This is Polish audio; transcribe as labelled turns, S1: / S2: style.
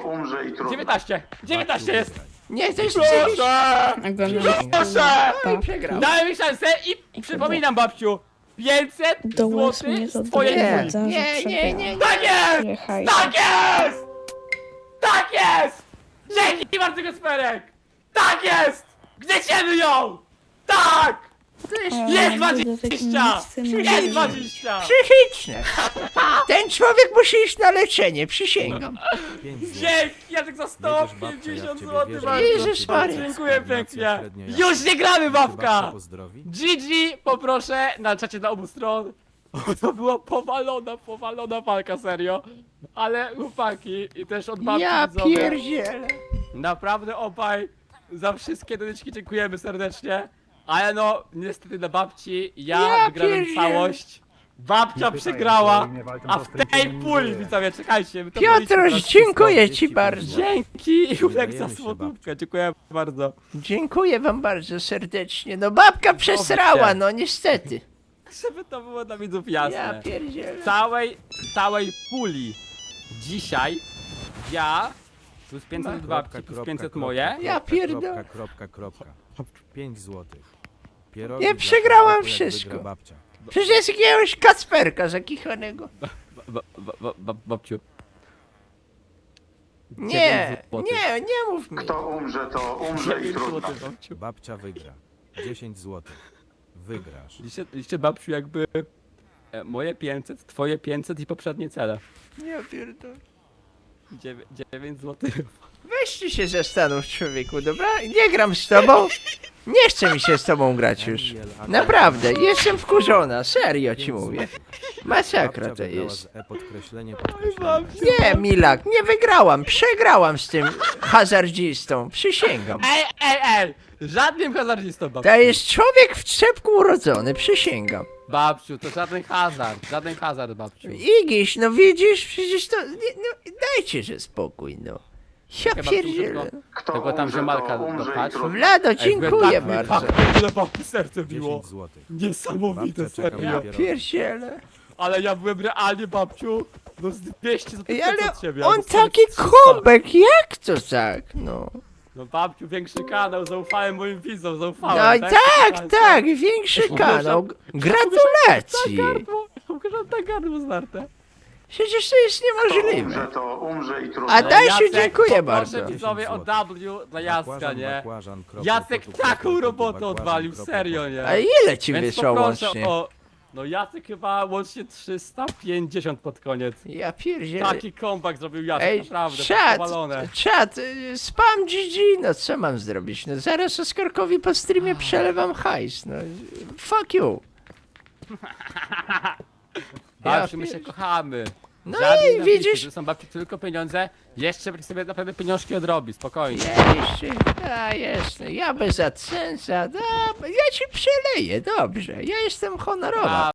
S1: umrze i trudno.
S2: 19! 19 jest!
S3: Nie, to jest
S2: Proszę!
S4: Oglądam.
S2: Proszę!
S3: No i przegrał.
S2: Daj mi szansę i przypominam, babciu, 500
S4: Dołącz mnie
S2: zł
S4: do
S2: z twojej
S3: Nie,
S2: puli.
S3: nie.
S2: Tak jest!
S4: Jechaj.
S2: Tak jest! Tak jest! Dzięki bardzo, Gasperek! Tak jest! Gnieciemy ją! Tak! Jest 20! Jest 20!
S3: Psychiczne. Ten człowiek musi iść na leczenie, przysięgam.
S2: Dzięki! Jacek za 150 zł
S3: Jezus Maria.
S2: Dziękuję pięknie! Już nie gramy, babka! GG, poproszę na czacie na obu stron. To była powalona walka, serio. Ale chłopaki i też od babci
S3: Ja
S2: widzowie.
S3: pierdzielę.
S2: Naprawdę obaj za wszystkie donyczki dziękujemy serdecznie. Ale no, niestety dla babci ja wygrałem
S3: pierdzielę.
S2: całość. Babcia przegrała, a w tej puli, widzowie, czekajcie. wy to policzcie
S3: Piotruś,
S2: teraz
S3: dziękuję ci bardzo.
S2: wszystko. Dzięki, Julek, za
S5: się,
S2: słodówkę, dziękuję bardzo.
S3: Dziękuję wam bardzo serdecznie. No babka przesrała, no niestety.
S2: Żeby to było dla widzów
S3: Ja
S2: jasne.
S3: pierdzielę.
S2: Całej puli dzisiaj ja plus 500 od babci, plus 500 moje.
S3: Ja pierdolę.
S5: 5 złotych. Pierogi
S3: Ja
S5: dla
S3: przegrałam
S5: chłopaku, jak
S3: wszystko.
S5: wygra babcia.
S3: Przecież jest jakiegoś kacperka zakichanego.
S2: Babciu.
S3: Nie,
S2: 9
S3: nie mów mi.
S1: Kto umrze, to umrze i
S2: 9
S1: trudno.
S2: zł, babciu.
S5: Babcia wygra. 10 złotych. Wygrasz.
S2: Liczcie, babciu, jakby moje 500, twoje 500 i poprzednie cele.
S3: Ja pierdolę.
S2: 9 zł.
S3: Weź się zastanów, człowieku, dobra? Nie gram z tobą. Nie chce mi się z tobą grać już. Naprawdę, jestem wkurzona, serio ci mówię. Masakra to jest.
S5: Podkreślenie.
S3: Nie, Milak, nie wygrałam, przegrałam z tym hazardzistą, przysięgam.
S2: Ej! Żadnym hazardzistą, babciu.
S3: To jest człowiek w czepku urodzony, przysięgam.
S2: Babciu, to żaden hazard, babciu.
S3: Igiś, no widzisz, przecież to... No, dajcie, że spokój, no. Ja
S2: Babciu,
S3: pierdzielę.
S2: tylko
S1: Kto
S2: Tego tam
S1: umrze,
S2: ziomalka
S1: to umrze
S2: dopchać.
S1: i trudno.
S3: Vlado, dziękuję bardzo.
S2: Ile babci serce biło.
S5: 10 złotych.
S2: Niesamowite,
S5: Babcia czeka
S2: serio.
S5: na pierogi.
S3: Pierdzielę.
S2: Ale ja byłem realnie, babciu, no z 200 zł
S3: Ej, ale
S2: od siebie.
S3: on
S2: albo nawet
S3: taki
S2: 300.
S3: kubek, jak to tak, no.
S2: No babciu, większy kanał, zaufałem moim widzom, zaufałem.
S3: No i tak, większy kanał. Gratulacje.
S2: Tak gardło znarte.
S3: Przecież to jest
S1: Kto
S3: niemożliwe.
S1: umrze, to umrze i trudno.
S3: A Dasiu,
S2: Jacek,
S3: dziękuję
S2: poproszę
S3: bardzo.
S2: widzowie o W dla Jacka,
S5: Bakłażan,
S2: nie?
S5: bakłażan, kropel,
S2: Jacek
S5: kotów,
S2: taką
S5: kropel,
S2: robotę
S5: bakłażan,
S2: odwalił,
S5: kropel,
S2: serio, nie?
S3: A ile ci
S2: Więc
S3: wyszło
S2: poproszę
S3: łącznie?
S2: o... No Jacek chyba łącznie 350 pod koniec.
S3: Ja pierdzielę.
S2: Taki comeback zrobił Jacek,
S3: Ej,
S2: naprawdę, powalone.
S3: czat, spam GG, no co mam zrobić? No zaraz Oskarkowi po streamie przelewam hajs, no. Fuck you.
S2: Babciu,
S3: Ja
S2: my się
S3: pier-
S2: kochamy.
S3: No
S2: Żadnej
S3: i
S2: napisu,
S3: widzisz-
S2: że są babci tylko pieniądze. Jeszcze sobie naprawdę pieniążki odrobi, spokojnie.
S3: Jasne, ja bez AdSense'a, ja ci przeleję, dobrze, ja jestem honorowa.